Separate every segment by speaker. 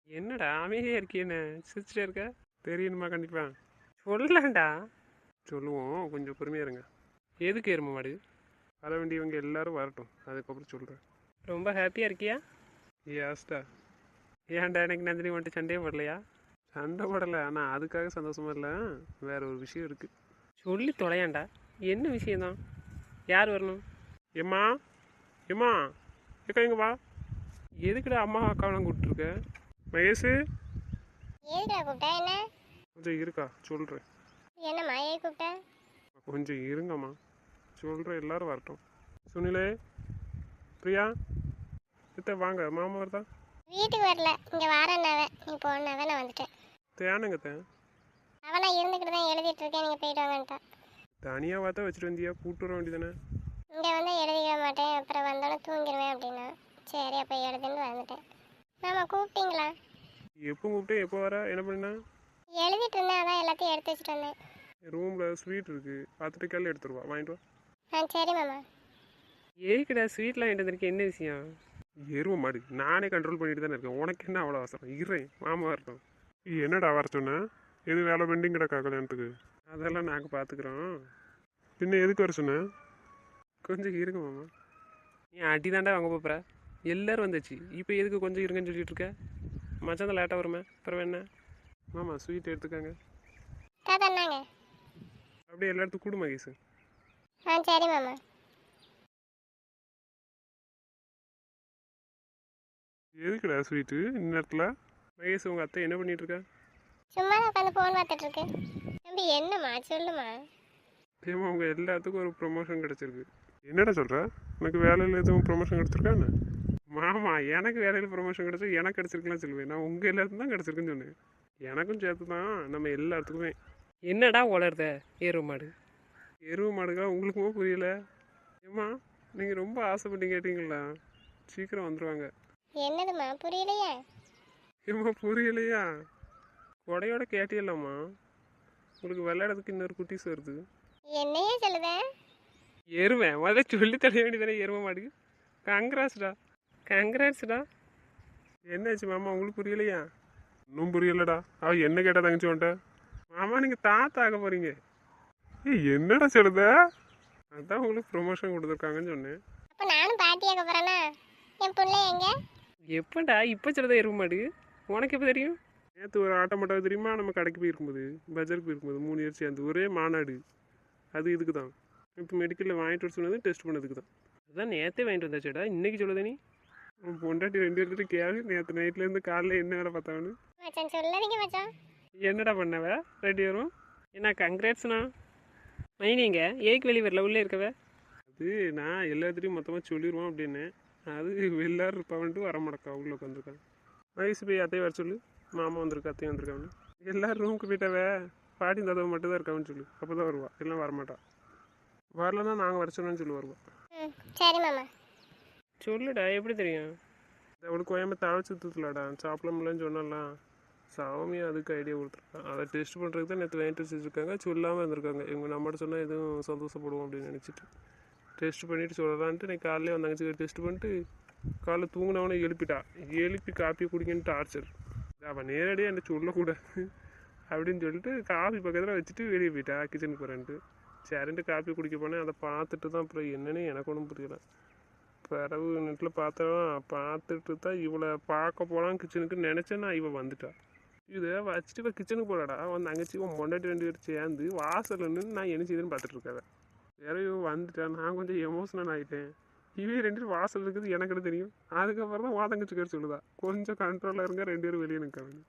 Speaker 1: என்னடா அமைதியாக இருக்கேன்னு சிரிச்சிட்டே இருக்க? தெரியணுமா கண்டிப்பா? சொல்லலாம்டா. சொல்லுவோம், கொஞ்சம் பொறுமையாக இருங்க. எதுக்கு எருமை மாடு? வர வேண்டியவங்க எல்லாரும் வரட்டும், அதுக்கப்புறம் சொல்கிறேன். ரொம்ப ஹாப்பியாக இருக்கியா? ஏஸ்டா. ஏன்டா எனக்கு நந்தினி வந்துட்டு சண்டையே போடலையா? சண்டை போடலை, ஆனால் அதுக்காக சந்தோஷமா இல்லை. வேற ஒரு விஷயம் இருக்குது. சொல்லி தொலையாண்டா. என்ன விஷயம்தான்? யார் வரணும்? ஏம்மா, ஏம்மா, ஏக்கா இங்க வா. எதுக்குடா அம்மா அக்காவெல்லாம் கூப்பிட்டுருக்க? மகேஷு,
Speaker 2: எதுக்குடா கூப்பிட்டா என்ன?
Speaker 1: கொஞ்சம் இருக்கா சொல்கிறேன்.
Speaker 2: என்னம்மா ஏன் கூப்பிட்ட?
Speaker 1: கொஞ்சம் இருங்கம்மா, சொல்கிறேன், எல்லாரும் வரட்டும். சுனிலே, பிரியா, சித்த வாங்க, மாமா வருதா?
Speaker 2: வீட்டுக்கு வரல, இங்கே வாரேன்னாவே நீ போனாவே நான் வந்துட்டேன்.
Speaker 1: தேனுங்க தேன்.
Speaker 2: அவன் நான் இருந்துக்கிட்டு தான் எழுதிட்டு இருக்கேன், நீங்கள் போயிட்டு வாங்கன்ட்டான்.
Speaker 1: தனியாக பார்த்தா வச்சுட்டு வந்தியா? கூப்பிட்டு வர வேண்டியதானே?
Speaker 2: இங்கே வந்து எழுதிக்க மாட்டேன், அப்புறம் வந்தோடனே தூங்கிடுவேன் அப்படின்னா. சரி அப்போ எழுதுன்னு வந்துட்டேன். மாமா கூப்பிட்டீங்களா?
Speaker 1: எப்போ கூப்பிட்டேன், எப்போ வர, என்ன பண்ணா?
Speaker 2: எழுதிட்டு இருந்தேன், அதான் எல்லாத்தையும் எடுத்து வச்சுட்டு வந்தேன்.
Speaker 1: ரூமில் ஸ்வீட் இருக்குது, பார்த்துட்டு கேள்வி எடுத்துருவா, வாங்கிட்டு வா.
Speaker 2: சரி மாமா.
Speaker 1: ஏய்க்கடா ஸ்வீட்லாம் வாங்கிட்டு வந்திருக்கேன், என்ன விஷயம்? எருவ மாடு, நானே கண்ட்ரோல் பண்ணிட்டு தானே இருக்கேன், உனக்கு என்ன அவ்வளோ அவசரம்? இருறேன், மாமா வரட்டும். என்னடா வர சொன்னேன்? எது வேலை பெண்டிங் கிடக்கா கல்யாணத்துக்கு? அதெல்லாம் நாங்கள் பார்த்துக்குறோம். பின்ன எதுக்கு வர சொன்னேன்? கொஞ்சம் இருங்க மாமா. நீ அடி தாண்டா வாங்க போகிற. எல்லோரும் வந்துச்சு, இப்போ எதுக்கு கொஞ்சம் இருங்கன்னு சொல்லிட்டு இருக்க? மச்சான் தான் லேட்டாக வருமே, அப்புறம் என்ன? மாமா ஸ்வீட் எடுத்துக்காங்க.
Speaker 2: தாத்தாங்க.
Speaker 1: அப்படியே எல்லாத்துக்கும் கூடு மகேஷ்.
Speaker 2: சரி மாமா.
Speaker 1: எதுக்குடா ஸ்வீட்டு இந்நேரத்தில்? மகேஷ் உங்கள் அத்தை என்ன பண்ணிட்டு இருக்கா?
Speaker 2: சும்மா தான் உட்காந்து ஃபோன் பார்த்துட்டு இருக்கு. தம்பி என்னம்மா சொல்லுமா.
Speaker 1: ஏமா உங்கள் எல்லாத்துக்கும் ஒரு ப்ரொமோஷன் கிடச்சிருக்கு. என்னடா சொல்கிற? உனக்கு வேலையில் எதுவும் ப்ரொமோஷன் கிடச்சிருக்கான்னு? மாமா எனக்கு வேலையில் ப்ரொமோஷன் கிடச்சி எனக்கு கிடச்சிருக்கலாம் சொல்லுவேன். நான் உங்கள் எல்லாத்துக்கும் தான் கிடச்சிருக்குன்னு சொன்னேன். எனக்கும் சேர்த்து தான், நம்ம எல்லாத்துக்குமே. என்னடா வளருத எருவு மாடு? எருவு மாடுக்கா உங்களுக்குமே புரியல? ஏம்மா, நீங்கள் ரொம்ப ஆசைப்பட்டு கேட்டீங்களா? சீக்கிரம் வந்துடுவாங்க.
Speaker 2: என்னதுமா புரியலையே?
Speaker 1: ஏம்மா புரியலையா? கொடையோட கேட்டியல்லாம்மா, உங்களுக்கு விளையாடுறதுக்கு இன்னொரு குட்டிஸ் வருது.
Speaker 2: என்னையே சொல்லுத?
Speaker 1: எருவேன் முதல்ல சொல்லி தர வேண்டியதானே எருமை மாடு. கங்க்ராட்ஸ்டா, கங்க்ராட்ஸ்டா. என்னாச்சு மாமா, உங்களுக்கு புரியலையா? இன்னும் புரியலடா. அவ என்ன கேட்டா தங்கச்சி உன்ட்ட? மாமா நீங்கள் தாத்தா ஆக போகிறீங்க. ஏய் என்னடா சொல்லுத? அதான் உங்களுக்கு ப்ரொமோஷன் கொடுத்துருக்காங்கன்னு சொன்னேன்.
Speaker 2: அப்போ நானும் பாட்டியாக போகிறேன்னா? என் பிள்ளை எங்க?
Speaker 1: எப்படா இப்போ சொல்லுதா எருமை மாடு? உனக்கு எப்போ தெரியும்? நேற்று ஒரு ஆட்டோமாட்டாவது தெரியுமா? நம்ம கடைக்கு போயிருக்கும்போது, பஜாருக்கு போயிருக்கும்போது 3 பேர் சேர்ந்து ஒரே மாநாடு. அது இதுக்கு தான். இப்போ மெடிக்கலில் வாங்கிட்டு வர சொன்னது டெஸ்ட் பண்ணதுக்கு தான். அதான் நேற்றே வாங்கிட்டு வந்தாச்சேடா, இன்னைக்கு சொல்லுதே நீ? உன் பொண்டாட்டி 2 பேர்கிட்ட கேளு, நேற்று நைட்லேருந்து காலையில் என்ன வேலை பார்த்தாங்கன்னு.
Speaker 2: மச்சான் சொல்லாதீங்க மச்சான்.
Speaker 1: என்னடா பண்ணவ 2 பேரும்? என்ன கங்க்ராட்ஸ்ண்ணா. மைனிங்க ஏக்கு வெளியே வரல, உள்ளே இருக்கவ. அது நான் எல்லாத்துலேயும் மொத்தமாக சொல்லிடுவோம் அப்படின்னு. அது எல்லாரும் இருப்பான்ட்டு வர மாட்டக்கா, உள்ளே உட்காந்துருக்கான். வயசு போய் அத்தையை வர சொல்லு, மாமா வந்திருக்கா, அத்தையும் வந்திருக்கான்னு. எல்லாரும் ரூமுக்கு போயிட்டாவே, பாட்டி தாத்தா மட்டும் தான் இருக்கான்னு சொல்லு, அப்போ தான் வருவா, எல்லாம் வரமாட்டா. வரலன்னா நாங்கள் வர சொன்னோன்னு சொல்லி வருவா.
Speaker 2: சரி மாமா.
Speaker 1: சொல்லுடா, எப்படி தெரியும்? அவளுக்கு கோயம்பு தழை சுற்றுலாடா, சாப்பிடலாம்லன்னு சொன்னாலாம். சாமி அதுக்கு ஐடியா கொடுத்துருக்கான். அதை டெஸ்ட் பண்ணுறதுக்கு தான் நேற்று வாங்கிட்டு வச்சுருக்காங்க, சொல்லாமல் இருந்திருக்காங்க. இவங்க நம்மகிட்ட சொன்னால் எதுவும் சந்தோஷப்படுவோம் அப்படின்னு நினச்சிட்டு டெஸ்ட் பண்ணிவிட்டு சொல்லலான்ட்டு இன்னைக்கு காலையிலே வந்தாங்க. டெஸ்ட் பண்ணிட்டு காலைல தூங்கினவனே எழுப்பி காப்பியை குடிக்கன்னு டார்ச்சர். அவன் நேரடியாக என்ன சொல்லக்கூடாது அப்படின்னு சொல்லிட்டு காஃபி பக்கத்தில் வச்சுட்டு வெளியே போயிட்டா, கிச்சனுக்கு போகிறேன்ட்டு. சரின்ட்டு காப்பி குடிக்க போனேன். அதை பார்த்துட்டு தான் அப்புறம் என்னன்னு எனக்கு ஒன்றும் புரியல. பிறகு நெட்டில் பார்த்துட்டு தான் இவளை பார்க்க போகலாம் கிச்சனுக்கு நினச்சேன். நான் இவள் வந்துட்டா. இதை வச்சுட்டு இப்போ கிச்சனுக்கு போகலாடா, வந்து அங்கச்சி பொண்டாட்டி 2 பேர் சேர்ந்து வாசல் நின்று நான் என்ன செய்யுதுன்னு பார்த்துட்டு இருக்காத. வேற இவன் வந்துட்டேன், நான் கொஞ்சம் எமோஷனல் ஆகிட்டேன். இவன் 2 பேரும் வாசல் இருக்குது எனக்கு தெரியும். அதுக்கப்புறம் தான் வாதங்கச்சிக்கார் சொல்லுதா, கொஞ்சம் கண்ட்ரோலாக இருங்க, 2 பேரும் வெளியே நிற்காங்க.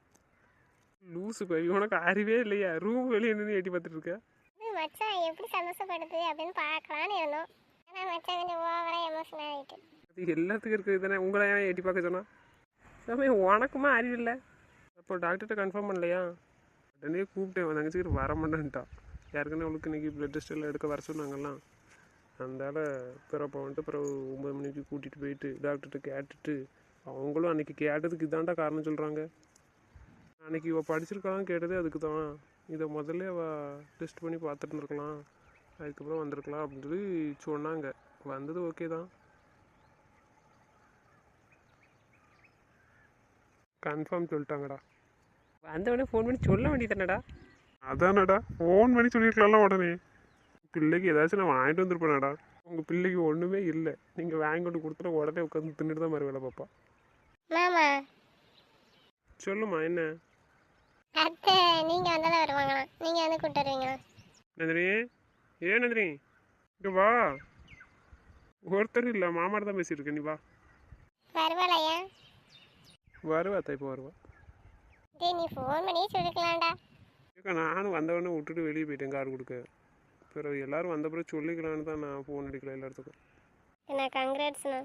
Speaker 1: லூசு போய் உனக்கு அறிவே இல்லையா? ரூம் வெளியே நின்று எட்டி பார்த்துட்டு இருக்க.
Speaker 2: மச்சான் எப்படி சந்தோஷப்படுது அப்படின்னு பார்க்கலான்னு இருந்தோம். ஆனால் மச்சான் கொஞ்சம் ஓவராக எமோஷனல் ஆகிட்டு.
Speaker 1: அது எல்லாத்துக்கும் இருக்குது தானே, உங்களை ஏன் எட்டி பார்க்க சொன்னா? சமயம் உனக்குமா அறிவில்லை? அப்போ டாக்டர்கிட்ட கன்ஃபார்ம் பண்ணலையா? உடனே கூப்பிட்டேன், தங்கச்சிக்கிட்டு வர மாட்டேன்ட்டா. யாருக்குன்னு அவளுக்கு இன்றைக்கி ப்ளட் டெஸ்ட் எல்லாம் எடுக்க வர சொன்னாங்கலாம். அதனால் பிறப்போ வந்துட்டு பிறகு 9 மணிக்கு கூட்டிகிட்டு போயிட்டு டாக்டர்கிட்ட கேட்டுட்டு, அவங்களும் அன்றைக்கி கேட்டதுக்கு இதாண்டா காரணம் சொல்கிறாங்க. அன்றைக்கி இவள் படிச்சிருக்கான்னு கேட்டதே அதுக்கு தான். இதை முதல்ல அவள் டெஸ்ட் பண்ணி பார்த்துட்டு இருக்கலாம், அதுக்கப்புறம் வந்திருக்கலாம் அப்படின்னு சொல்லி சொன்னாங்க. வந்தது ஓகே தான். கன்ஃபார்ம் சொல்லிட்டாங்கடா.
Speaker 3: வந்தவொடனே ஃபோன் பண்ணி சொல்ல வேண்டியதானடா.
Speaker 1: அதானடா ஃபோன் பண்ணி சொல்லியிருக்கலாம்ல உடனே. பிள்ளைக்கு ஏதாச்சும் நான் வாங்கிட்டு வந்துருப்பேனடா. உங்கள் பிள்ளைக்கு ஒன்றுமே இல்லை, நீங்கள் வாங்கி கொண்டு கொடுத்துட்டு உடனே உட்காந்து தின்னுட்டு தான் மாதிரி வேலை பாப்பா.
Speaker 2: மாமா
Speaker 1: சொல்லுமா என்ன?
Speaker 2: அத்தை நீங்கள் வந்தாலும் வருவாங்களாம், நீங்கள் வந்து கூப்பிட்டு வருவீங்களா?
Speaker 1: நந்தினி, ஏன் நந்தினி இங்கே வா. ஒருத்தர் இல்லை, மாமாட்ட தான் பேசிட்டு இருக்கேன், நீ வா.
Speaker 2: வருவாளையா?
Speaker 1: வருவா அத்தை, இப்போ வருவா.
Speaker 2: டேய் நீ ஃபோன் பண்ணியே சொல்லிக்கலாம்டா.
Speaker 1: ஏக்கா நானும் வந்தவொடனே விட்டுட்டு வெளியே போயிட்டேன் கார் கொடுக்க. பிறகு எல்லாரும் வந்த பிறகு சொல்லிக்கலான்னு தான் நான் ஃபோன் அடிக்கல எல்லாத்துக்கும்.
Speaker 2: என்ன கங்க்ராட்ஸ்ண்ணா.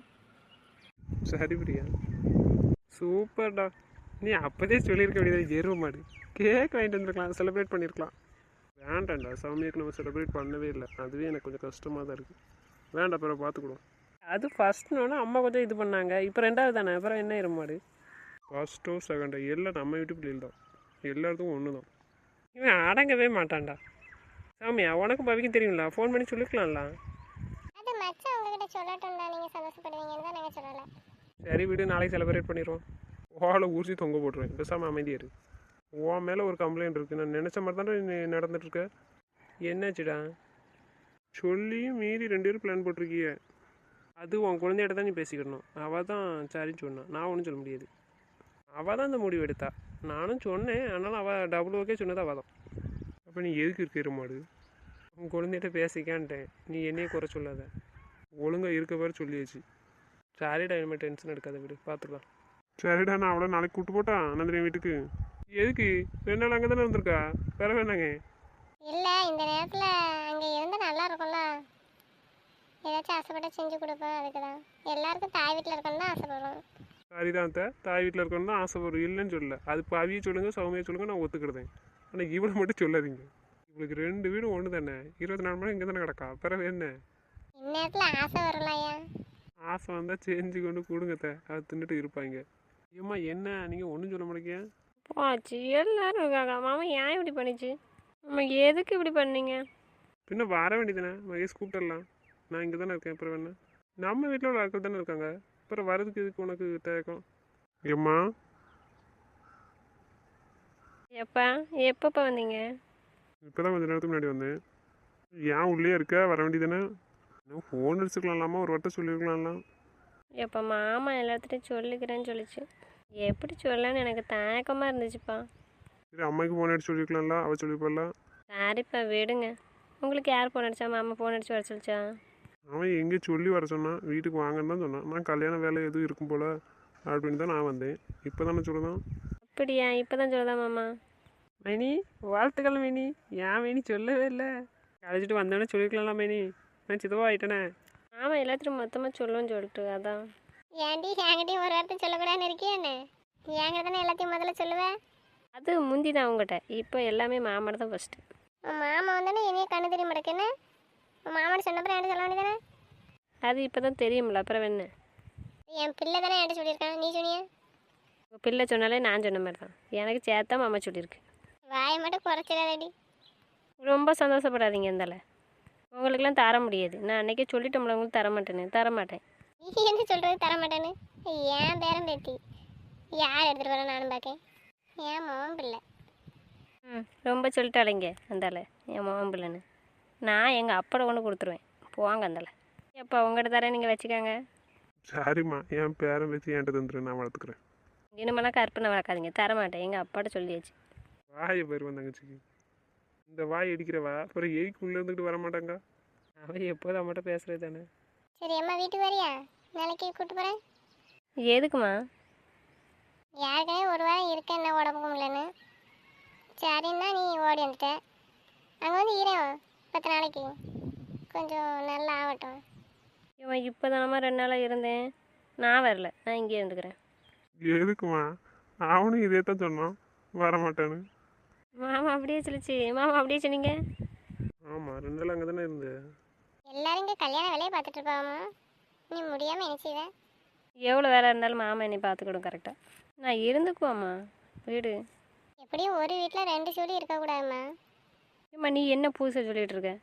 Speaker 1: சரி பிரியா, சூப்பர்டா. நீ அப்போதே சொல்லியிருக்க வேண்டியது, எருவ மாடு கேக் வாங்கிட்டு வந்துருக்கலாம், செலிப்ரேட் பண்ணியிருக்கலாம். வேண்டாம்டா, சாமியாக்கு நம்ம செலிப்ரேட் பண்ணவே இல்லை, அதுவே எனக்கு கொஞ்சம் கஷ்டமாக தான் இருக்குது. வேண்டாம், பிறகு பார்த்துக்கிடுவோம்.
Speaker 3: அது ஃபஸ்ட்னோன்னா அம்மா கொஞ்சம் இது பண்ணாங்க, இப்போ ரெண்டாவது தானே, அப்புறம் என்ன எருமாடு.
Speaker 1: ஃபர்ஸ்ட்டோ செகண்டோ எல்லாம் நம்ம வீட்டு பிள்ளைகள் தான், எல்லாத்துக்கும் ஒன்று தான்.
Speaker 3: இவன் அடங்கவே மாட்டான்டா. சாமியா உனக்கும் பவிக்கும் தெரியும்ல, ஃபோன் பண்ணி சொல்லிக்கலாம்ல.
Speaker 2: அது மச்சான் உங்ககிட்ட சொல்லட்டும்டா, நீங்கள் சந்தோஷப்படுவீங்கன்னு தான் நாங்கள் சொல்லலை.
Speaker 3: சரி விடு, நாளைக்கு செலிப்ரேட் பண்ணிடுவோம்.
Speaker 1: ஓலை ஊசி தொங்க போட்டுருவேன், பேசாமல் அமைதியாக இரு. உன் மேலே ஒரு கம்ப்ளைண்ட் இருக்குது, நான் நினச்ச மாதிரி தானே நீ நடந்துட்டுருக்க.
Speaker 3: என்னாச்சுடா?
Speaker 1: சொல்லியும் மீறி 2 பேரும் பிளான் போட்டிருக்கிய.
Speaker 3: அது உன் குழந்தையிட்ட தான் நீ பேசிக்கணும். அவள் தான் சரின்னு சொன்னான், நான் ஒன்றும் சொல்ல முடியாது. அவள் தான் அந்த முடிவு எடுத்தா, நானும் சொன்னேன், ஆனாலும் அவள் டபுள் ஓகே சொன்னது அவள் தான்.
Speaker 1: அப்போ நீ எதுக்கு இருக்கிற மாடு?
Speaker 3: உன் குழந்தைகிட்ட பேசிக்கான்ட்டேன், நீ என்னையே குறை சொல்லாத.
Speaker 1: ஒழுங்காக இருக்க பேர் சொல்லியாச்சு.
Speaker 3: சாரிடா, இனிமேல் டென்ஷன் எடுக்காத, விடு, பார்த்துக்கலாம்.
Speaker 1: சரிடா, நான் அவளை நாளைக்கு கூப்பிட்டு போட்டா நந்தினி வீட்டுக்கு. எதுக்கு 2 நாள் அங்கே தானே இருந்திருக்கா, வேற வேணாங்க.
Speaker 2: இல்லை இந்த நேரத்தில் அங்கே இருந்தால் நல்லா இருக்கும்ல, ஏதாச்சும் ஆசைப்பட்ட செஞ்சு கொடுப்பேன், அதுக்கு தான். எல்லாருக்கும் தாய் வீட்டில் இருக்கணும்னு தான் ஆசைப்படுறோம்.
Speaker 1: சரிதான் அத்தை, தாய் வீட்டில் இருக்கணும்னு தான் ஆசைப்படுறோம், இல்லைன்னு சொல்லல. அது பவியை சொல்லுங்க, சௌமியை சொல்லுங்க, நான் ஒத்துக்கிடுதேன். ஆனால் இவளை மட்டும் சொல்லாதீங்க. இவளுக்கு 2 வீடும் ஒன்று தானே, 24 மணி இங்கே தானே கிடக்கா, பிறகு என்ன?
Speaker 2: இந்நேரத்தில் ஆசை வரும்லையா?
Speaker 1: ஆசை வந்தால் செஞ்சு கொண்டு கொடுங்கத்த, அதை தின்னுட்டு இருப்பாங்க. ஏம்மா என்ன நீங்கள் ஒன்றும் சொல்ல மாட்டேங்க?
Speaker 3: போச்சு, எல்லாரும் இருக்காங்க. மாமா ஏன் இப்படி பண்ணிச்சு? அம்மா எதுக்கு இப்படி பண்ணீங்க?
Speaker 1: பின்ன வர வேண்டியதானே, மகேஷ் கூப்பிட்டுடலாம். நான் இங்கே தானே இருக்கேன், அப்புறம் என்ன? நம்ம வீட்டில் உள்ள ஆட்கள் தானே இருக்காங்க, அப்புறம் வரதுக்கு இதுக்கு உனக்கு தயக்கம்? ஏம்மா
Speaker 3: எப்போ எப்பப்போ வந்தீங்க?
Speaker 1: இப்போ தான் கொஞ்சம் நேரத்துக்கு முன்னாடி வந்தேன். ஏன் உள்ளே இருக்க, வர வேண்டியதானே? இன்னும் ஃபோன் அடிச்சுக்கலாம்லாமா, ஒரு வட்டம் சொல்லியிருக்கலாம்லாம்.
Speaker 3: எப்போ மாமா எல்லாத்துட்டையும் சொல்லிக்கிறேன்னு சொல்லிச்சு. எப்படி சொல்லன்னு எனக்கு தயக்கமாக இருந்துச்சுப்பா.
Speaker 1: சரி, அம்மாவுக்கு ஃபோன் அடிச்சு சொல்லியிருக்கலாம்ல, அவள் சொல்லியிருப்பாள்ல.
Speaker 3: சரிப்பா விடுங்க. உங்களுக்கு யார் ஃபோன் அடிச்சா? மாமா ஃபோன் அடிச்சு வர சொல்லிச்சா?
Speaker 1: அவன் எங்கே சொல்லி வர சொன்னான், வீட்டுக்கு வாங்கன்னு தான் சொன்னான். நான் கல்யாண வேலை எதுவும் இருக்கும் போல் அப்படின்னு தான் நான் வந்தேன். இப்போ தானே சொல்லுதான்.
Speaker 3: அப்படியா? இப்போ தான் சொல்லுதா மாமா? மைனி வாழ்த்துக்கள் மைனி. ஏன் மைனி சொல்லவே இல்லை? கழிச்சிட்டு வந்தோடனே சொல்லிருக்கலாம்ல மைனி, நான் சிதவா ஆகிட்டேனே. ஆமாம், எல்லாத்தையும் மொத்தமாக சொல்லுவேன்னு சொல்லிட்டு அதான்.
Speaker 2: ஏன்டி என்கிட்டயும் ஒரு வார்த்தை சொல்லக்கூடாதுன்னு இருக்கியா என்ன? என்கிட்ட தானே எல்லாத்தையும் முதல்ல சொல்லுவேன்.
Speaker 3: அது முந்தி தான் உங்கள்கிட்ட, இப்போ எல்லாமே மாமாட்ட தான் ஃபஸ்ட்டு.
Speaker 2: உன் மாமா வந்தானே என்னைய கண்ணு தெரிய மாட்டேக்குன்னு உன் மாமாட்ட சொன்னப்பறம் என்கிட்ட சொல்ல வேண்டியதானே?
Speaker 3: அது இப்போ தான் தெரியும்ல, அப்புறம் என்ன?
Speaker 2: என் பிள்ளை தானே என்கிட்ட சொல்லியிருக்கான், நீ சொன்னியா?
Speaker 3: உங்கள் பிள்ளை சொன்னாலே நான் சொன்ன மாதிரி தான், எனக்கு சேர்த்தா மாமா சொல்லியிருக்கு.
Speaker 2: வாயை மட்டும் குறைச்சிடாதடி.
Speaker 3: ரொம்ப சந்தோஷப்படாதீங்க. இருந்தால உங்களுக்கெல்லாம் தர முடியாது, நான் அன்றைக்கே சொல்லிட்டோம்ல உங்களுக்கு தர மாட்டேன்.
Speaker 2: நீ என்ன சொல்கிறது தர மாட்டேன்னு? ஏன் பேரம் பேத்தி யார் எடுத்துகிட்டு வர நானும் பார்க்கேன். ஏன் மோகம் பிள்ளை.
Speaker 3: ரொம்ப சொல்லிட்டாளிங்க அந்தால, என் மகன் பிள்ளைன்னு. நான் எங்கள் அப்பாட கொண்டு கொடுத்துருவேன், போவாங்க அந்தால. எப்போ உங்கள்கிட்ட தரேன், நீங்கள் வச்சுக்காங்க.
Speaker 1: சரிம்மா, என் பேரன் வச்சு என்கிட்ட தந்துரு, நான் வளர்த்துக்கிறேன்.
Speaker 3: இனிமேலாம் கற்பனை வளர்க்காதீங்க, தரமாட்டேன். எங்கள் அப்பாட்ட சொல்லியாச்சு.
Speaker 1: வாயை போயிருவேன் தங்கச்சிக்கு. இந்த வாய் அடிக்கிறவா அப்புறம் எய்க்கு உள்ளே இருந்துக்கிட்டு வர மாட்டாங்க.
Speaker 3: அவன் எப்போதும் அம்மாட்ட பேசுகிறது தானே.
Speaker 2: சரி அம்மா வீட்டுக்கு வரியா? நாளைக்கு கூப்பிட்டு போகிறேன்.
Speaker 3: எதுக்குமா?
Speaker 2: யாருக்கே ஒரு வாரம் இருக்க என்ன உடம்பு முடியலன்னு. சரின்னா நீ ஓடி வந்துட்ட. அங்கே வந்து ஈரம் 10 நாளைக்கு கொஞ்சம் நல்லா ஆகட்டும்.
Speaker 3: இவன் இப்போ தானம்மா 2 நாளாக இருந்தேன், நான் வரல, நான் இங்கே இருந்துக்கிறேன்.
Speaker 1: எதுக்குமா? அவனும் இதே தான் சொன்னான், வர மாட்டான்னு.
Speaker 3: மாமா அப்படியே சொல்லிச்சு. மாமா அப்படியே சொன்னீங்க.
Speaker 1: ஆமாம், 2 நாள் அங்கே தானே இருந்து.
Speaker 2: எல்லாரும் இங்கே கல்யாண வேலையை பார்த்துட்டு இருப்பாமா, நீ முடியாமல் என்ன செய்வேன்?
Speaker 3: எவ்வளோ வேலை இருந்தாலும் மாமா என்னை பார்த்துக்கிடும் கரெக்டாக. நான் இருந்துக்குவாம்மா வீடு.
Speaker 2: எப்படியும் ஒரு வீட்டில் 2 ஜோடி இருக்கக்கூடாதும்மா.
Speaker 3: ஏம்மா நீ என்ன புதுசாக சொல்லிகிட்டு இருக்க?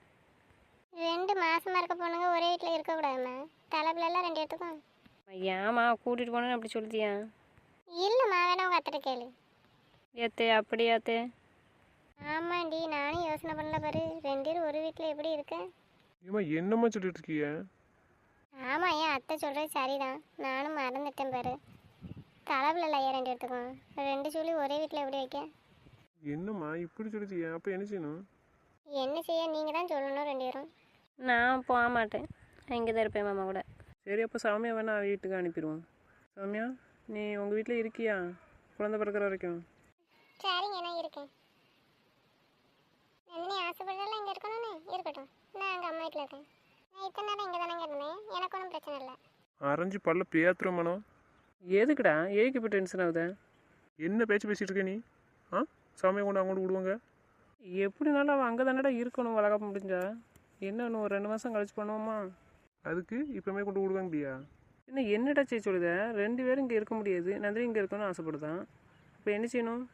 Speaker 2: 2 மாசமாக இருக்க பொண்ணுங்க ஒரே வீட்டில் இருக்கக்கூடாதும்மா. தலைப்பிலெல்லாம் 2 எடுத்துக்கும்.
Speaker 3: ஏம்மா கூட்டிகிட்டு போனேன்னு அப்படி சொல்லிட்டியா?
Speaker 2: இல்லைம்மா வேணா உங்கள் அத்தைட்ட கேளு.
Speaker 3: ஏத்தே அப்படியாத்தே?
Speaker 2: ஆமாண்டி, நானும் யோசனை பண்ணல பாரு. 2 பேரும் ஒரு வீட்டில் எப்படி இருக்க?
Speaker 1: ஏம்மா என்னம்மா சொல்லிட்டு இருக்கீங்க?
Speaker 2: ஆமாம், என் அத்தை சொல்கிறது சரிதான். நானும் மறந்துட்டேன் பாரு. தலைவில் இல்லையா 2 பேர்த்துக்கும். 2 சொல்லி ஒரே வீட்டில் எப்படி வைக்க?
Speaker 1: என்னம்மா இப்படி சொல்லிட்டீங்க? அப்போ என்ன செய்யணும்?
Speaker 2: என்ன செய்ய நீங்கள் தான் சொல்லணும் 2 பேரும்.
Speaker 3: நான் போக மாட்டேன், இங்கே தான் இருப்பேன் மாமா கூட. சரி, அப்போ சாமியா வேணா வீட்டுக்கு அனுப்பிடுவோம். சாமியா, நீ உங்கள் வீட்டில் இருக்கியா குழந்தை பிறக்கிற வரைக்கும்?
Speaker 2: சரிங்க, நான் இருக்கேன். நந்தினி ஆசைப்படுறதுல இங்கே இருக்கணும்னு இருக்கட்டும். நான் எங்கள் அம்மா வீட்டில் இருக்கேன். நான் இத்தனை நேரம் இங்கே தானே இருந்தேன். எனக்கு ஒன்றும் பிரச்சனை இல்லை.
Speaker 1: அரைஞ்சு பல்ல பேத்துறோமானோ?
Speaker 3: எதுக்குடா ஏக்கு இப்போ டென்ஷன் ஆகுது?
Speaker 1: என்ன பேச்சு பேசிட்டு இருக்க நீ? ஆ, சாமியை கொண்டு அவங்கள்ட்ட விடுவாங்க.
Speaker 3: எப்படினாலும் அவன் அங்கே தானடா இருக்கணும் வளர்க்க முடிஞ்சா. என்ன இன்னும் ஒரு 2 மாதம் கழிச்சு பண்ணுவோமா?
Speaker 1: அதுக்கு இப்போமே கொண்டு விடுவாங்கடியா?
Speaker 3: இன்னும் என்னடா செய்ய சொல்லுத? 2 பேரும் இங்கே இருக்க முடியாது, நந்தினி இங்கே இருக்கணும்னு ஆசைப்படுதான். இப்போ என்ன செய்யணும்?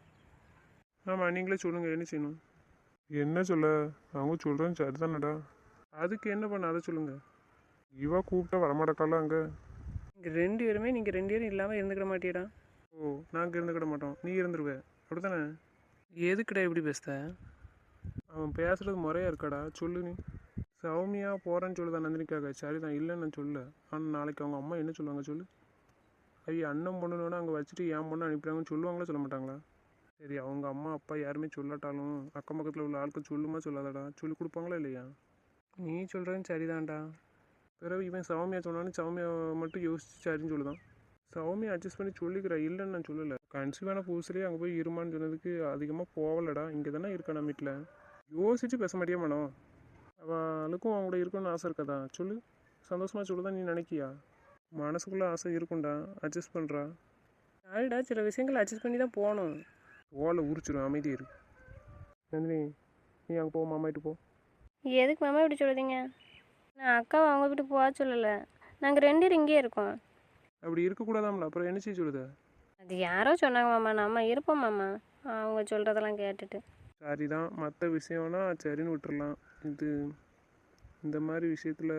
Speaker 1: ஆமாம், நீங்களே சொல்லுங்கள் என்ன செய்யணும்? என்ன சொல்ல? அவங்க சொல்கிறேன் சரிதானடா. அதுக்கு என்ன பண்ண அதை சொல்லுங்கள். இவா கூப்பிட்டா வரமாட்டக்கால அங்கே.
Speaker 3: இங்கே 2 பேருமே நீங்கள் 2 பேரும் இல்லாமல் இருந்துக்கிட மாட்டியடா.
Speaker 1: ஓ, நாங்கள் இருந்துக்கிட மாட்டோம், நீ இருந்துருவே அப்படி தானே?
Speaker 3: எதுக்குடா இப்படி பேசுத?
Speaker 1: அவன் பேசுகிறது முறையாக இருக்காடா, சொல்லு நீ. சௌமியா போகிறேன்னு சொல்லுதான் நந்தினிக்காக. சரிதான், இல்லைன்னு நான் சொல்ல. ஆனால் நாளைக்கு அவங்க அம்மா என்ன சொல்லுவாங்க சொல்லு? ஐயா அண்ணன் பொண்ணுன்னு அங்கே வச்சுட்டு என் பொண்ணு அனுப்பிட்டாங்கன்னு சொல்லுவாங்களா சொல்ல மாட்டாங்களா? சரி, அவங்க அம்மா அப்பா யாருமே சொல்லாட்டாலும் அக்கம் பக்கத்தில் உள்ள ஆட்கள் சொல்லுமா சொல்லாதடா? சொல்லி கொடுப்பாங்களா இல்லையா?
Speaker 3: நீ சொல்கிறேன்னு சரிதான்டா.
Speaker 1: பிறகு இவன் சௌமியா சொன்னான்னு சௌமியா மட்டும் யோசிச்சு சரின்னு சொல்லுதான். சௌமியா அட்ஜஸ்ட் பண்ணி சொல்லிக்கிறா, இல்லைன்னு நான் சொல்லலை. கன்சீவான புதுசுலேயே அங்கே போய் இருமான்னு சொன்னதுக்கு அதிகமாக போகலடா. இங்கே தானே இருக்கா நம்ம வீட்டில். யோசிச்சு பேச மாட்டியா மனோ? அவளுக்கும் அவங்க கூட இருக்கணும்னு ஆசை இருக்காதா சொல்லு? சந்தோஷமாக சொல்லுதான் நீ நினைக்கியா? மனசுக்குள்ளே ஆசை இருக்கும்டா, அட்ஜஸ்ட் பண்ணுறா.
Speaker 3: யாருடா சில விஷயங்களை அட்ஜஸ்ட் பண்ணி தான் போகணும்.
Speaker 1: ஓலை உரிச்சிடும், அமைதி இருக்கு. நந்தினி, நீ அங்கே போ, மாமாயிட்டு போ.
Speaker 3: எதுக்கு மாமா இப்படி சொல்லுதீங்க? நான் அக்காவை அவங்க வீட்டுக்கு போக சொல்லலை, நாங்கள் 2 பேரும் இங்கேயே இருக்கோம்.
Speaker 1: அப்படி இருக்கக்கூடாதாம்ல, அப்புறம் என்ன செய்ய சொல்லுத?
Speaker 3: அது யாரோ சொன்னாங்க மாமா, நம்ம இருப்போம் மாமா அவங்க சொல்கிறதெல்லாம் கேட்டுட்டு.
Speaker 1: சரிதான், மற்ற விஷயம்னா சரின்னு விட்டுறலாம். இந்த மாதிரி விஷயத்தில்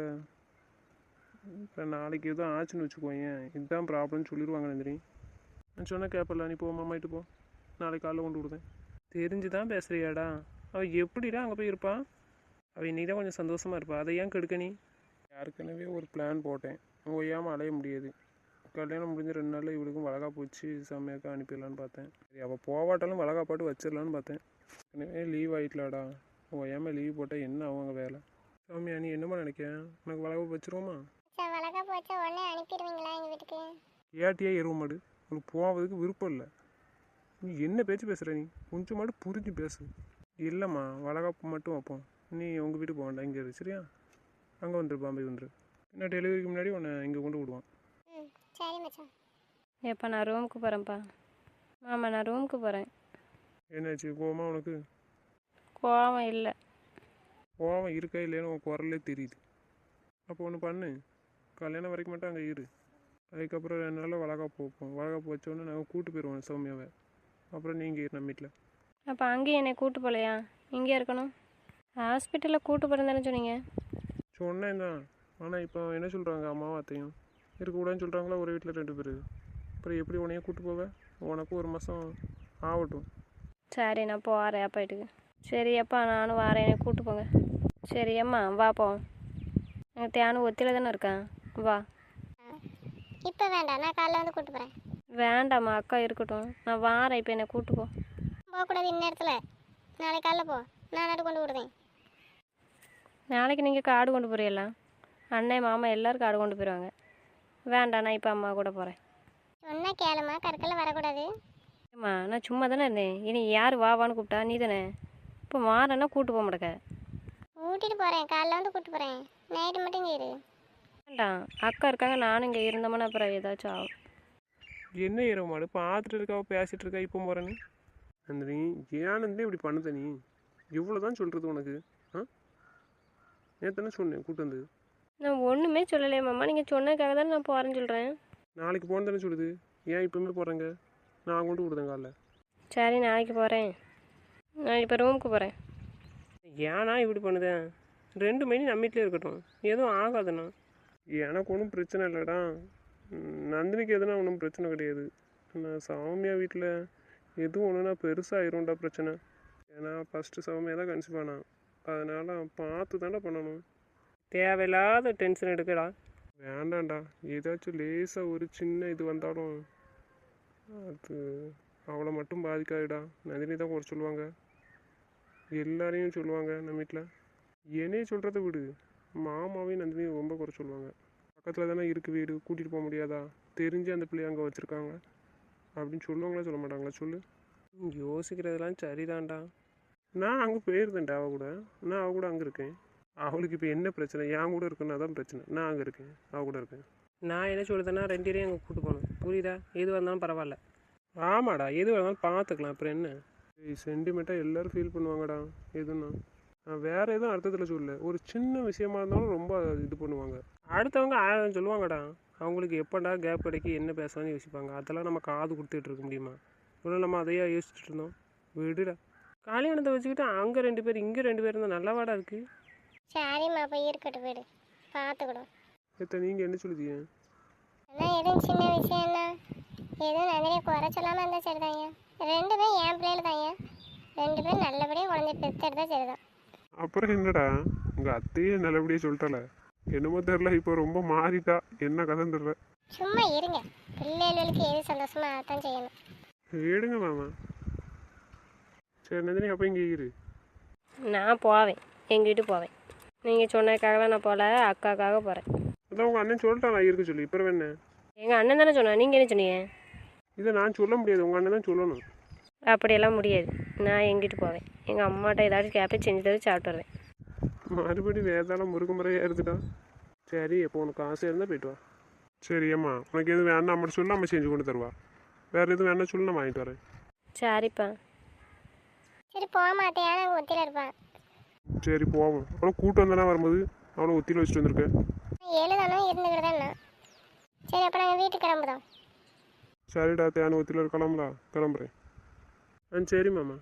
Speaker 1: இப்போ நாளைக்கு எதுவும் ஆச்சுன்னு வச்சுக்கோங்க, இதுதான் ப்ராப்ளம்னு சொல்லிடுவாங்க நந்தினி. நான் சொன்னால் கேட்பல, நீ போ மாமாயிட்டு போ, நாளைக்கு காலைல கொண்டு விடுதேன்.
Speaker 3: தெரிஞ்சு தான் பேசுகிறியாடா? அவள் எப்படிடா அங்கே போய் இருப்பாள்? அவள் இன்னைக்கு தான் கொஞ்சம் சந்தோஷமாக இருப்பாள், அதை ஏன் கெடுக்க நீ?
Speaker 1: ஏற்கனவே ஒரு பிளான் போட்டேன், ஓயாமல் அலைய முடியாது. கல்யாணம் முடிஞ்ச 2 நாளில் இவளுக்கும் வளகாப்பு வச்சு செம்மையாக்கா அனுப்பிடலான்னு பார்த்தேன். சரி, அவள் போவாட்டாலும் வளகாப்பாட்டு வச்சிடலான்னு பார்த்தேன். ஏற்கனவே லீவ் ஆகிட்டலாடா, ஓயாமல் லீவ் போட்டால் என்ன அவங்க வேலை? சாமியா, நீ என்னம்மா நினைக்க? உனக்கு வளகாப்பு வச்சிருவோமா?
Speaker 2: சார் வளர்க்க போச்சா உடனே அனுப்பிடுவீங்களா எங்கள் வீட்டுக்கு?
Speaker 1: ஏட்டியா எருவ மாடு, உனக்கு போவதுக்கு விருப்பம் இல்லை. நீ என்ன பேச்சு பேசுகிற? நீ கொஞ்சம் மாடு புரிஞ்சு பேசு. இல்லைம்மா, வளகாப்பு மட்டும் வைப்போம், நீ உங்கள் வீட்டுக்கு போக வேண்டாம், இங்கே இரு சரியா? அங்கே வந்துரு, பாம்பே வந்துரு. என்ன டெலிவரிக்கு முன்னாடி உன்னை இங்கே கொண்டு விடுவான்.
Speaker 2: ம், சரி மச்சான்.
Speaker 3: ஏப்பா நான் ரூமுக்கு போகிறேன்ப்பா. மாமா நான் ரூமுக்கு போகிறேன்.
Speaker 1: என்னாச்சு, கோவமா உனக்கு?
Speaker 3: கோவம் இல்லை.
Speaker 1: கோவம் இருக்கா இல்லைன்னு உன் குரல்லே தெரியுது. அப்போ ஒன்று பண்ணு, கல்யாணம் வரைக்கும் மட்டும் அங்கே இரு. அதுக்கப்புறம் 2 நாளில் வளகாப்பு வைப்போம். வளகாப்பு வச்சோன்னே நாங்கள் கூட்டு போயிடுவோம் சௌமியாவை. அப்புறம் நீங்கள் இரு நம்ம வீட்டில்.
Speaker 3: அப்போ அங்கேயும் என்னை கூட்டு போகலையா? இங்கே இருக்கணும். ஹாஸ்பிட்டலில் கூட்டு போகிறேன் தானே சொன்னீங்க?
Speaker 1: சொன்னேன் தான், ஆனால் இப்போ என்ன சொல்கிறாங்க, அம்மாவும் அத்தையும் இருக்கக்கூடாதுன்னு சொல்கிறாங்களா ஒரு வீட்டில் 2 பேர். அப்புறம் எப்படி உன்னையே கூட்டு போவேன்? உனக்கும் 1 மாதம் ஆகட்டும்.
Speaker 3: சரி, நான் போகிறேன் அப்பா வீட்டுக்கு. சரி அப்பா, நானும் வரேன், என்னை கூட்டு போங்க. சரி அம்மா வா போவோம். எனக்கு தேனும் ஒத்தியில் தானே இருக்கான், வா.
Speaker 2: இப்போ வேண்டாம், நான் காலைல வந்து கூப்பிட்டு போகிறேன்.
Speaker 3: வேண்டாம்மா, அக்கா இருக்கட்டும், நான் வாரேன். இப்போ என்னை கூட்டு போ.
Speaker 2: போகக்கூடாது இந்நேரத்தில், நாளைக்கு காலைல போ, நான் நடு கொண்டு விடுவேன்.
Speaker 3: நாளைக்கு நீங்கள் காடு கொண்டு போகிறீங்களா? அண்ணன் மாமா எல்லோரும் காடு கொண்டு போயிடுவாங்க. வேண்டாம், நான் இப்போ அம்மா கூட போகிறேன்.
Speaker 2: சொன்னால் கேளுமா, கற்கல வரக்கூடாது.
Speaker 3: ஏம்மா, நான் சும்மா தானே இருந்தேன், இனி யார் வாவான்னு கூப்பிட்டா நீ தானே. இப்போ வாரேன்னா கூட்டு போக மாட்டேக்க.
Speaker 2: கூட்டிகிட்டு போகிறேன், காலைல வந்து கூப்பிட்டு போகிறேன், நைட்டு மட்டும் இங்கே இரு.
Speaker 3: வேண்டாம், அக்கா இருக்காங்க, நானும் இங்கே இருந்தோம்னா அப்புறம் ஏதாச்சும் ஆகும்.
Speaker 1: என்ன இரவு மாடு பார்த்துட்டு இருக்காவ, பேசிகிட்டு இருக்கா, இப்போ போகிறேன்னு. நந்தினி, ஏன்னு இப்படி பண்ணுத நீ? இவ்வளோ தான் சொல்கிறது உனக்கு? ஆ, நேற்று சொன்னேன் கூட்டு வந்து.
Speaker 3: நான் ஒன்றுமே சொல்லலையே மாமா, நீங்கள் சொன்னதுக்காக தானே நான் போகிறேன்னு சொல்கிறேன்.
Speaker 1: நாளைக்கு போகணும் தானே சொல்லுது, ஏன் இப்போமே போகிறேங்க? நான் கொண்டு விடுதேன் காலைல.
Speaker 3: சரி, நாளைக்கு போகிறேன். நான் இப்போ ரூமுக்கு போகிறேன். ஏன்னா இப்படி பண்ணுதேன்? 2 மணி நம்ம வீட்டிலே இருக்கட்டும், எதுவும் ஆகாதுண்ணா.
Speaker 1: எனக்கு ஒன்றும் பிரச்சனை இல்லைடா. நந்தினிக்கு எதுனா ஒன்றும் பிரச்சனை கிடையாது. நான் சௌமியா வீட்டில் எதுவும் ஒன்றுனா பெருசாகிரும்டா பிரச்சனை. ஏன்னா ஃபஸ்ட்டு சௌமியா தான் கன்சீவ் ஆனான். அதனால் பார்த்து தானே பண்ணணும்.
Speaker 3: தேவையில்லாத டென்ஷன் எடுக்கடா.
Speaker 1: வேண்டாம்டா, ஏதாச்சும் லேசாக ஒரு சின்ன இது வந்தாலும் அது அவளை மட்டும் பாதிக்காதுடா. நந்தினி தான் குறை சொல்லுவாங்க, எல்லாரையும் சொல்லுவாங்க நம்ம வீட்டில். என்னையே சொல்கிறத விடு, மாமாவையும் நந்தினியும் ரொம்ப குறை சொல்லுவாங்க. பக்கத்தில் தானே இருக்குது வீடு, கூட்டிகிட்டு போக முடியாதா, தெரிஞ்சு அந்த பிள்ளைய அங்கே வச்சுருக்காங்க அப்படின்னு சொல்லுவாங்களா சொல்ல மாட்டாங்களா சொல்லு.
Speaker 3: யோசிக்கிறதெல்லாம் சரிதான்டா.
Speaker 1: நான் அங்கே போயிருந்தேன்டா அவள் கூட. நான் அவள் கூட அங்கே இருக்கேன். அவளுக்கு இப்போ என்ன பிரச்சனை, என் கூட இருக்குன்னா தான் பிரச்சனை. நான் அங்கே இருக்கேன், அவள் கூட இருக்கேன்.
Speaker 3: நான் என்ன சொல்லுதேன்னா 2 பேரையும் அங்கே கூட்டு போகணும், புரியுதா? எது வந்தாலும் பரவாயில்ல.
Speaker 1: ஆமாடா, எது வேணாலும் பார்த்துக்கலாம், அப்புறம் என்ன. சென்டிமெண்ட்டாக எல்லோரும் ஃபீல் பண்ணுவாங்கடா எதுன்னா. நான் வேறு எதுவும் அர்த்தத்தில் சொல்லல, ஒரு சின்ன விஷயமா இருந்தாலும் ரொம்ப இது பண்ணுவாங்க. அடுத்தவங்க 1000 சொல்லுவாங்கடா. அவங்களுக்கு எப்போடா கேப் கிடைக்கி என்ன பேசலாம்னு யோசிப்பாங்க. அதெல்லாம் நம்ம காது கொடுத்துட்டு இருக்க முடியுமா? இவ்வளோ நம்ம அதையா யோசிச்சுட்டு இருந்தோம். விடுடா.
Speaker 3: கல்யாணத்தை வச்சுக்கிட்டு அங்கே 2 பேர் இங்கே 2 பேர் இருந்தால் நல்லவாடா இருக்குது.
Speaker 2: சரிம்மா போய் இருக்கட்டும் வீடு பார்த்துக்கிடும்.
Speaker 1: ஏத்த நீங்கள் என்ன சொல்லுதீங்க?
Speaker 2: ஆனால் எதுவும் சின்ன விஷயம்னா எதுவும் நந்தினியை குறை சொல்லாமல் இருந்தால் சரிதாங்க. 2 பேரும் என் பிள்ளைகள் தாங்க. 2 பேரும் நல்லபடியாக குழந்தை பெற்றெடுத்தா சரிதான்.
Speaker 1: அப்புறம் என்னடா, உங்கள் அத்தையே நல்லபடியாக சொல்லிட்டால. என்னமோ தெரில, இப்போ ரொம்ப மாறிட்டா. என்ன கதைன்னு தெரில.
Speaker 2: சும்மா இருங்க, பிள்ளைகளுக்கு எது சந்தோஷமா அதான் செய்யணும்.
Speaker 1: எடுங்க மாமா. சரி நந்தினி, அப்போ இங்கே இரு.
Speaker 3: நான் போவேன், எங்கள் வீட்டுக்கு போவேன். நீங்கள் சொன்னதுக்காகலாம் நான் போகல, அக்காக்காக போகிறேன்.
Speaker 1: அதான் உங்கள் அண்ணன் சொல்லிட்டான் நான் இருக்க சொல்லி. இப்போ என்ன?
Speaker 3: எங்கள் அண்ணன் தானே சொன்னேன், நீங்கள் என்ன சொன்னீங்க?
Speaker 1: இதை நான் சொல்ல முடியாது, உங்கள் அண்ணன் தான் சொல்லணும்.
Speaker 3: அப்படியெல்லாம் முடியாது. நான் எங்கள் வீட்டுக்கு போவேன். எங்கள் அம்மாட்ட ஏதாச்சும் கேப்பை செஞ்சு தர சாப்பிட்டு வருவேன்.
Speaker 1: மறுபடியும் வேதாளம் முருக முறையாக இருந்துட்டா. சரி, எப்போ உனக்கு ஆசை இருந்தால் போயிட்டு வா. சரி அம்மா, உனக்கு எதுவும் வேணா அம்மா சொல்லி நம்ம செஞ்சு கொண்டு தருவா. வேறு எதுவும் வேணா சொல்லி நான் வாங்கிட்டு வரேன்.
Speaker 3: சரிப்பா.
Speaker 2: சரி போக மாட்டேன், நாங்கள் ஒத்தியில் இருப்பான்.
Speaker 1: சரி போவோம். அவ்வளோ கூட்டம் வந்தானே வரும்போது அவ்வளோ ஒத்தியில் வச்சுட்டு வந்திருக்கேன்.
Speaker 2: 7 தானும் இருந்துக்கிட்டு தான் நான். சரி அப்போ நாங்கள் வீட்டுக்கு கிளம்புதோம்.
Speaker 1: சரிடா, தேன ஒத்தியில் இருக்கலாம்ல, கிளம்புறேன். சரி மாமா,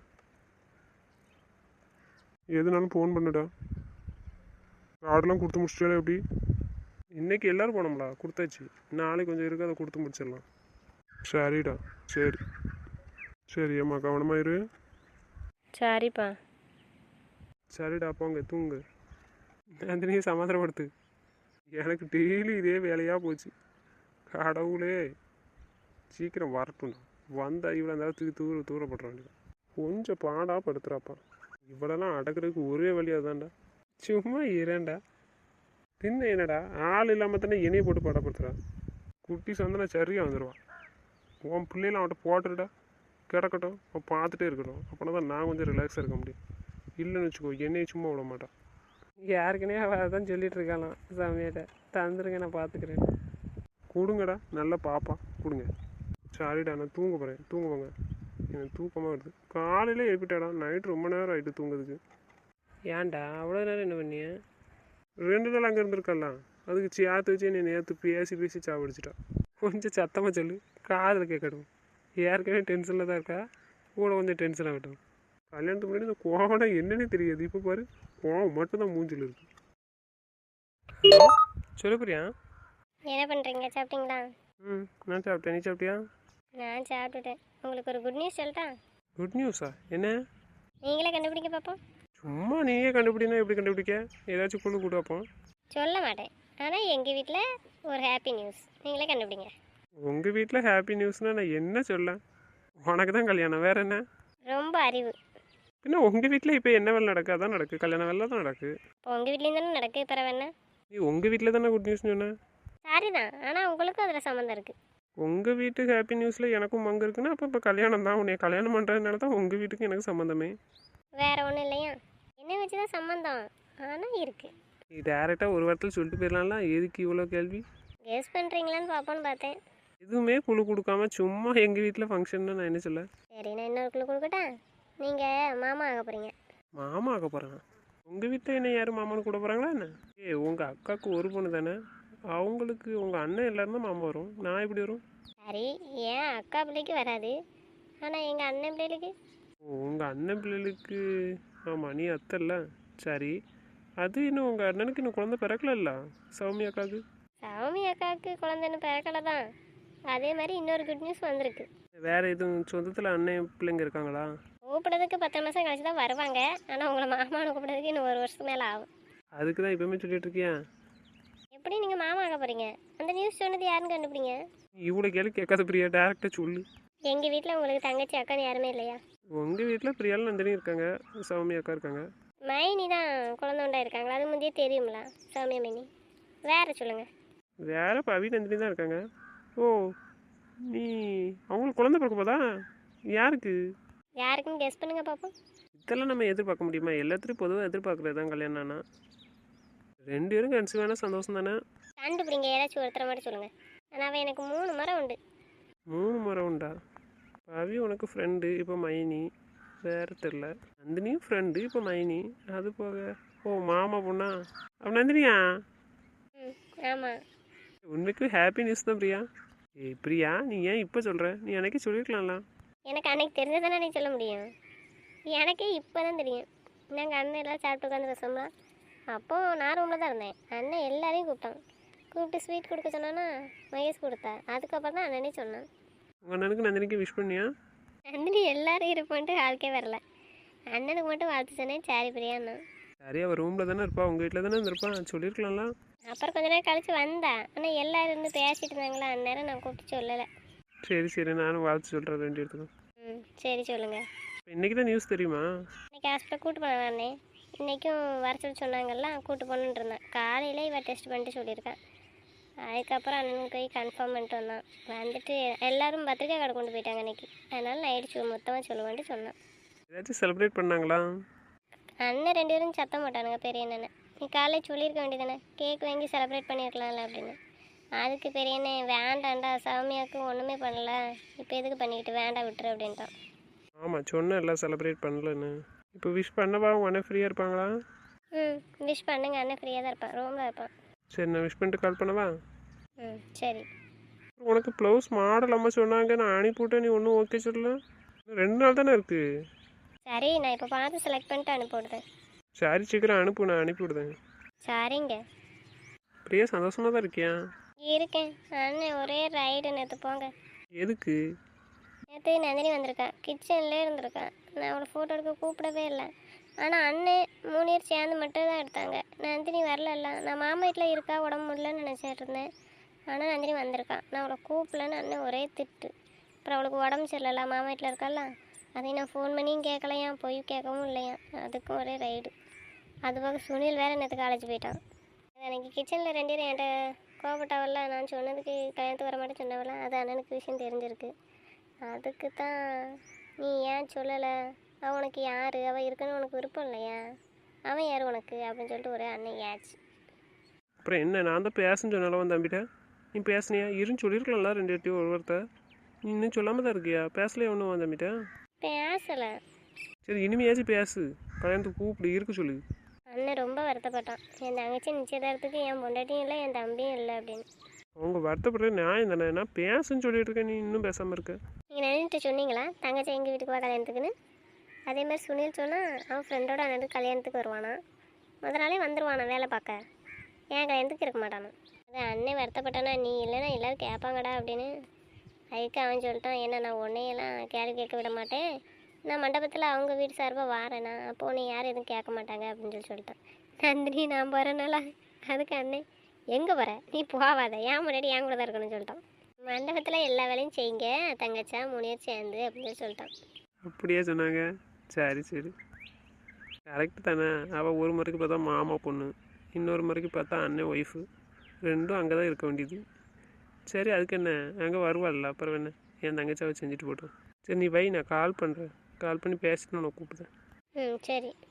Speaker 1: எதுனாலும் ஃபோன் பண்ணுடா. கார்டெலாம் கொடுத்து முடிச்சிட்டாலே எப்படி? இன்றைக்கி எல்லோரும் போனோம்லா, கொடுத்தாச்சு. நாளைக்கு கொஞ்சம் இருக்குது, அதை கொடுத்து முடிச்சிடலாம். சரிடா. சரி சரி அம்மா, கவனமாக இரு.
Speaker 3: சரிப்பா.
Speaker 1: சரிடா, போங்க தூங்கு. நந்தினியை சமாதானப்படுத்து. எனக்கு டெய்லி இதே வேலையாக போச்சு. கடவுளே சீக்கிரம் வரட்டும்டா. வந்தால் இவ்வளோ நேரத்துக்கு தூரப்படுற வேண்டியது. கொஞ்சம் பாடாக படுத்துறாப்பா. இவ்வளோலாம் அடக்கிறதுக்கு ஒரே வழியாக தான்டா. சும்மா இரண்டா பின்ன என்னடா, ஆள் இல்லாமல் தானே என்னையை போட்டு பாடப்படுத்துறான். குட்டி சந்தனா சரியாக வந்துடுவான். உன் பிள்ளைலாம் அவன்கிட்ட போட்டுடா, கிடக்கட்டும், அவன் பார்த்துட்டே இருக்கட்டும். அப்போனா தான் நான் கொஞ்சம் ரிலாக்ஸாக இருக்க முடியும். இல்லைன்னு வச்சுக்கோ, என்னையை சும்மா விட மாட்டான்.
Speaker 3: யாருக்குனே அவள் அதான் சொல்லிட்டு இருக்காளாம் சாமியாட்ட. தந்துருங்க, நான் பார்த்துக்கிறேன்.
Speaker 1: கொடுங்கடா, நல்லா பாப்பா கொடுங்க. சரிடா, நான் தூங்க போகிறேன். தூங்குவாங்க, எனக்கு தூக்கமாக வருது. காலையில் எழுப்பிட்டாடா, நைட்டு ரொம்ப நேரம் ஆகிட்டு தூங்குறதுக்கு.
Speaker 3: ஏன்டா அவ்வளோ நேரம் என்ன பண்ணிய?
Speaker 1: 2 நாள் அங்கே இருந்திருக்கலாம். அதுக்கு சேர்த்து வச்சு என்னை நேற்று பேசி சாப்பிடுச்சிட்டா. கொஞ்சம் சத்தமாக சொல்லு, காதில் கேட்கட்டும். ஏற்கனவே டென்ஷனில் தான் இருக்கா, கூட கொஞ்சம் டென்ஷன் ஆகட்டும். கல்யாணத்துக்கு முன்னாடி இந்த கோவம்னா என்னன்னே தெரியாது. இப்போ பாரு, கோவம் மட்டும்தான் மூஞ்சில் இருக்கு. சொல்லு பிரியா.
Speaker 2: என்ன பண்ணுறீங்க, சாப்பிட்டீங்களா?
Speaker 1: நான் சாப்பிட்டேன், நீ சாப்பிட்டியா?
Speaker 2: நான் சாப்பிட்டுட்டேன். உங்களுக்கு ஒரு குட் நியூஸ் சொல்லட்டா?
Speaker 1: குட் நியூஸா? என்ன?
Speaker 2: நீங்களே கண்டுபிடிக்க பார்ப்போம்.
Speaker 1: சும்மா நீயே கண்டுபிடினா எப்படி கண்டுபிடிக்க? ஏதாச்சும் கொண்டு கூட பார்ப்போம்.
Speaker 2: சொல்ல மாட்டேன், ஆனால் எங்கள் வீட்டில் ஒரு ஹாப்பி நியூஸ். நீங்களே கண்டுபிடிங்க.
Speaker 1: உங்கள் வீட்டில் ஹாப்பி நியூஸ்னால் நான் என்ன சொல்ல? உனக்கு தான் கல்யாணம், வேறு என்ன?
Speaker 2: ரொம்ப அறிவு.
Speaker 1: பின்ன உங்கள் வீட்டில் இப்போ என்ன வேலை நடக்கு? அதான் நடக்கு, கல்யாண வேலை தான் நடக்கு.
Speaker 2: இப்போ உங்கள் வீட்லேயும் தானே நடக்கு, பிறகு என்ன?
Speaker 1: நீ உங்கள் வீட்டில் தானே குட் நியூஸ்னு சொன்ன.
Speaker 2: சாரி தான், ஆனால் உங்களுக்கும் அதில் சம்மந்தம் இருக்குது.
Speaker 1: உங்கள் வீட்டு ஹாப்பி நியூஸில் எனக்கும் பங்கு இருக்குன்னா அப்போ இப்போ கல்யாணம் தான். உன்னை கல்யாணம் பண்ணுறதுனால தான் உங்கள் வீட்டுக்கு எனக்கு சம்மந்தமே.
Speaker 2: வேறு ஒன்றும் இல்லையா? என்ன வச்சு தான் சம்மந்தம், ஆனால் இருக்குது.
Speaker 1: நீ டேரெக்டாக ஒரு வாரத்தில் சொல்லிட்டு போயிடலாம்ல, எதுக்கு இவ்வளோ கேள்வி?
Speaker 2: கெஸ் பண்ணுறீங்களான்னு பார்ப்போன்னு பார்த்தேன்.
Speaker 1: எதுவுமே குழு கொடுக்காம சும்மா எங்கள் வீட்டில் ஃபங்க்ஷன்னு நான் என்ன சொல்ல?
Speaker 2: சரி, நான் இன்னொரு குழு கொடுக்கட்டா? நீங்கள் மாமா ஆக போகிறீங்க.
Speaker 1: மாமா ஆக போகிறேன். உங்கள் வீட்டில் என்ன யாரும் மாமான்னு கூட போகிறாங்களா என்ன? உங்கள் அக்காவுக்கு ஒரு பொண்ணு தானே, அவங்களுக்கு உங்கள் அண்ணன் எல்லாரும் தான் மாமா வரும். நான் எப்படி வரும்?
Speaker 2: சரி, ஏன் அக்கா பிள்ளைக்கு வராது, ஆனால் எங்கள் அண்ணன் பிள்ளைகளுக்கு?
Speaker 1: உங்கள் அண்ணன் பிள்ளைகளுக்கு ஆமாம், நீ அத்தை இல்லை. சரி, அது இன்னும் உங்கள் அண்ணனுக்கு இன்னும் குழந்தை பிறக்கல, சௌமி அக்காவுக்கு.
Speaker 2: சௌமி அக்காவுக்கு குழந்தைன்னு பிறக்கலை தான், அதே மாதிரி இன்னொரு குட் நியூஸ் வந்திருக்கு.
Speaker 1: வேறு எதுவும் சொந்தத்தில் அண்ணன் பிள்ளைங்க இருக்காங்களா?
Speaker 2: கூப்பிட்றதுக்கு 10 மாதம் கழிச்சு தான் வருவாங்க. ஆனால் உங்களை மாமான்னு கூப்பிட்றதுக்கு இன்னும் 1 வருஷத்துக்கு மேலே ஆகும்.
Speaker 1: அதுக்கு தான் இப்போவுமே சொல்லிட்டு இருக்கியா?
Speaker 2: எப்படி நீங்கள் மாமா ஆக போகிறீங்க? அந்த நியூஸ் சொன்னது யாருன்னு கண்டுபிடிங்க.
Speaker 1: இவ்வளோ கேள்வி கேட்காத பிரியா, டேரெக்டாக சொல்லு.
Speaker 2: எங்கள் வீட்டில் உங்களுக்கு தங்கச்சி அக்கான்னு யாருமே இல்லையா?
Speaker 1: உங்கள் வீட்டில் பிரியாலும் நந்தினி இருக்காங்க, சௌமி அக்கா இருக்காங்க.
Speaker 2: மைனி தான் குழந்தை உண்டா இருக்காங்களா? அது முந்தையே தெரியுங்களா? சௌமியா மைனி. வேறு சொல்லுங்கள்.
Speaker 1: வேறு பவி நந்தினி தான் இருக்காங்க. ஓ, நீ அவங்களுக்கு குழந்தை பிறக்க போதா? யாருக்கு?
Speaker 2: யாருக்குன்னு கெஸ் பண்ணுங்க பார்ப்போம்.
Speaker 1: இதெல்லாம் நம்ம எதிர்பார்க்க முடியுமா? எல்லாத்துலேயும் பொதுவாக எதிர்பார்க்குறது தான் கல்யாணம்னா. 2 பேரும் கன்சீவ் வேணால் சந்தோஷம் தானே.
Speaker 2: கண்டுபிடிங்க, ஏதாச்சும் ஒருத்தரை மட்டும் சொல்லுங்கள். ஆனால் அவன் எனக்கு 3 மரம் உண்டு.
Speaker 1: 3 முறை உண்டா? பவி உனக்கு ஃப்ரெண்டு, இப்போ மைனி. வேறு தெரில. நந்தினியும் ஃப்ரெண்டு, இப்போ மைனி. அது போக ஓ மாமா பொண்ணா? அப்போ நந்தினியா?
Speaker 2: ம், ஆமாம்.
Speaker 1: உனக்கு ஹாப்பி நியூஸ் தான் பிரியா. ஏய் பிரியா, நீ ஏன் இப்போ சொல்கிற? நீ எனக்கே சொல்லியிருக்கலாம்ல.
Speaker 2: எனக்கு அன்னைக்கு தெரிஞ்சதானே நீ சொல்ல முடியும். எனக்கே இப்போ தான் தெரியும். நாங்கள் அண்ணன் எல்லாம் சாப்பிட்டு உட்காந்து பேசோம்ல, அப்போது நான் ரூமில் தான் இருந்தேன். அண்ணன் எல்லாரையும் கூப்பிட்டான். கூப்பிட்டு ஸ்வீட் கொடுக்க சொன்னான்னா மகேஷ் கொடுத்தா. அதுக்கப்புறம் தான் அண்ணனே சொன்னான்.
Speaker 1: உங்கள் அண்ணனுக்கு நந்தினிக்கு விஷ் பண்ணியா?
Speaker 2: நந்தினி எல்லாரும் இருப்பான்ட்டு ஆளுக்கே வரல. அண்ணனுக்கு மட்டும் வாழ்த்து சொன்னேன். சரி பிரியாண்ணா.
Speaker 1: சரி, அவள் ரூமில் தானே இருப்பா, உங்கள் வீட்டில் தானே இருந்திருப்பான், சொல்லியிருக்கலாம்ல.
Speaker 2: அப்புறம் கொஞ்ச நேரம் கழிச்சு வந்தா. ஆனால் எல்லாரும் இருந்து பேசிட்டு இருந்தாங்களா, அந்நேரம் நான் கூப்பிட்டு சொல்லலை.
Speaker 1: சரி சரி, நானும் வாழ்த்து சொல்கிறேன் 2 இடத்துக்கும்.
Speaker 2: ம், சரி சொல்லுங்கள்.
Speaker 1: இப்போ இன்றைக்கி தான் நியூஸ் தெரியுமா?
Speaker 2: இன்னைக்கு ஹாஸ்பிட்டல் கூட்டு போனேன் அண்ணே. இன்றைக்கும் வர சொல்லி சொன்னாங்கல்ல, கூட்டு போகணுன்ட்டு இருந்தேன். காலையில் இவ டெஸ்ட் பண்ணிட்டு சொல்லியிருக்கேன். அதுக்கப்புறம் அண்ணனுக்கு போய் கன்ஃபார்ம் பண்ணிட்டு வந்தான். வந்துட்டு எல்லாரும் பத்திரிக்கை கார்டு கொண்டு போயிட்டாங்க அன்றைக்கி. அதனால் நைட்டு மொத்தமாக சொல்லுவான்ட்டு சொன்னான்.
Speaker 1: ஏதாச்சும் செலிப்ரேட் பண்ணாங்களா?
Speaker 2: அண்ணன் 2 பேரும் சத்தம் போட்டானுங்க பெரிய அண்ணனை. நீ காலையில் சொல்லியிருக்க வேண்டியதானே, கேக் வாங்கி செலிப்ரேட் பண்ணியிருக்கலாம்ல அப்படின்னு. அதுக்கு பெரிய அண்ணன் வேண்டாண்டா, சௌமியாவுக்கு ஒன்றுமே பண்ணல, இப்போ எதுக்கு பண்ணிக்கிட்டு, வேண்டாம் விட்டுரு அப்படின்ட்டான்.
Speaker 1: ஆமாம், சொன்னேன் எல்லாம் செலிப்ரேட் பண்ணலன்னு. இப்போ விஷ் பண்ணவா உங்கள் அண்ணன் ஃப்ரீயாக இருப்பாங்களா?
Speaker 2: ம், விஷ் பண்ணுங்க. அண்ணன் ஃப்ரீயாக தான் இருப்பான், ரூமில் இருப்பான்.
Speaker 1: சரி, நான் விஷ் பண்ணிட்டு கால் பண்ணவா?
Speaker 2: ம், சரி.
Speaker 1: உனக்கு ப்ளவுஸ் மாடல் அம்மா சொன்னாங்க, நான் அனுப்பிவிட்டேன், நீ ஒன்றும் ஓகே சொல்லல. 2 நாள் தானே இருக்குது.
Speaker 2: சரி, நான் இப்போ பார்த்து செலக்ட் பண்ணிட்டு அனுப்பிவிடுறேன்.
Speaker 1: சரி, சீக்கிரம் அனுப்பு, நான் அனுப்பிவிடுதேன்.
Speaker 2: சரிங்க.
Speaker 1: பிரியா சந்தோஷமாக தான் இருக்கியா?
Speaker 2: இருக்கேன். அண்ணன் ஒரே ரைடு. நேற்று போங்க.
Speaker 1: எதுக்கு?
Speaker 2: நேற்று நந்தினி வந்திருக்கேன், கிச்சன்லேயே இருந்திருக்கேன். நான் அவளை ஃபோட்டோ எடுக்க கூப்பிடவே இல்லை. ஆனால் அண்ணன் 3 பேர் சேர்ந்து மட்டும் தான் எடுத்தாங்க. நந்தினி வரல. நான் மாமா வீட்டில் இருக்கா, உடம்பு முடியலன்னு நினச்சிட்டு இருந்தேன். ஆனால் நந்தினி வந்திருக்கான். நான் அவளை கூப்பிடலன்னு அண்ணன் ஒரே திட்டு. அப்புறம் அவளுக்கு உடம்பு சரியில்லை, மாமா வீட்டில் இருக்கால. அதையும் நான் ஃபோன் பண்ணியும் கேட்கலையா, போய் கேட்கவும் இல்லையா. அதுக்கும் ஒரே ரைடு. அதுபோக சுனில் வேறு நேற்று காலேஜ் போயிட்டான். அன்றைக்கி கிச்சனில் 2 பேரும் என்கிட்ட கோபப்பட்டாவல்ல, நான் சொன்னதுக்கு கல்யாணத்துக்கு வர மாட்டேன் சொன்னவள, அது அண்ணனுக்கு விஷயம் தெரிஞ்சிருக்கு. அதுக்கு தான் நீ ஏன் சொல்லலை, அவன் உனக்கு யார், அவள் இருக்குன்னு உனக்கு விருப்பம் இல்லையா, அவன் யார் உனக்கு அப்படின்னு சொல்லிட்டு ஒரே அண்ணன் ஏச்சு.
Speaker 1: அப்புறம் என்ன, நான் தான் பேசுன்னு சொன்னாலும் வந்து தம்பிட்ட. நீ பேசுனியா? இருன்னு சொல்லியிருக்கலாம்ல 2 பேர்ட்டையும் ஒரு வார்த்தை. நீ இன்னும் சொல்லாமல் தான் இருக்கியா? பேசலையே ஒன்றும் வந்து தம்பிட்ட.
Speaker 2: பேசலை.
Speaker 1: சரி, இனிமையாச்சும் பேசு, கல்யாணத்துக்கு கூப்பிடு, இருக்க சொல்லு.
Speaker 2: அண்ணன் ரொம்ப வருத்தப்பட்டான். என் தங்கச்சி நிச்சயதார்த்தத்துக்கு என் பொண்டாட்டியும் இல்லை, என் தம்பியும் இல்லை அப்படின்னு.
Speaker 1: அவங்க வருத்தப்படுறது நியாயம் தானே. நான் பேசுன்னு சொல்லிட்டு இருக்கேன், நீ இன்னும் பேசாமல் இருக்க.
Speaker 2: நீங்கள் நினைட்டு சொன்னீங்களா தங்கச்சி எங்கள் வீட்டுக்கு வா கல்யாணத்துக்குன்னு? அதே மாதிரி சுனில் சொன்னால் அவன் ஃப்ரெண்டோட அண்ணனுக்கு கல்யாணத்துக்கு வருவானா, முதல் நாளே வந்துடுவானா வேலை பார்க்க. ஏன் கல்யாணத்துக்கு இருக்க மாட்டானா. அது அண்ணன் வருத்தப்பட்டானா, நீ இல்லைன்னா எல்லோரும் கேட்பாங்கடா அப்படின்னு. அதுக்கு அவன் சொல்லிட்டான், என்ன நான் உன்னையெல்லாம் கேள்வி கேட்க விட மாட்டேன், நான் மண்டபத்தில் அவங்க வீட்டு சார்பாக வாரேண்ணா, அப்போ உன்னை யாரும் எதுவும் கேட்க மாட்டாங்க அப்படின்னு சொல்லிட்டான். நந்தினி நான் போகிறேனால. அதுக்கு அண்ணன், எங்கே போகிற, நீ போவாத, ஏன் முன்னாடி என் கூட தான் இருக்கணும்னு சொல்லிட்டான். மண்டபத்தில் எல்லா வேலையும் செய்யுங்க தங்கச்சா 3 பேர் சேர்ந்து அப்படின்னு சொல்லிட்டான்.
Speaker 1: அப்படியே சொன்னாங்க. சரி சரி, கரெக்டு தானே. அவள் ஒரு முறைக்கு பார்த்தா மாமா பொண்ணு, இன்னொரு முறைக்கு பார்த்தா அண்ணன் ஒய்ஃபு, 2ம் அங்கே தான் இருக்க வேண்டியது. சரி, அதுக்கு என்ன, அங்கே வருவாள்ல, அப்புறம் என்ன, என் தங்கச்சாவை செஞ்சுட்டு போட்டோம். சரி, நீ வை, நான் கால் பண்ணுறேன், கால் பண்ணி பேசிட்டு நான் கூப்பிடுறேன்.
Speaker 2: ம், சரி.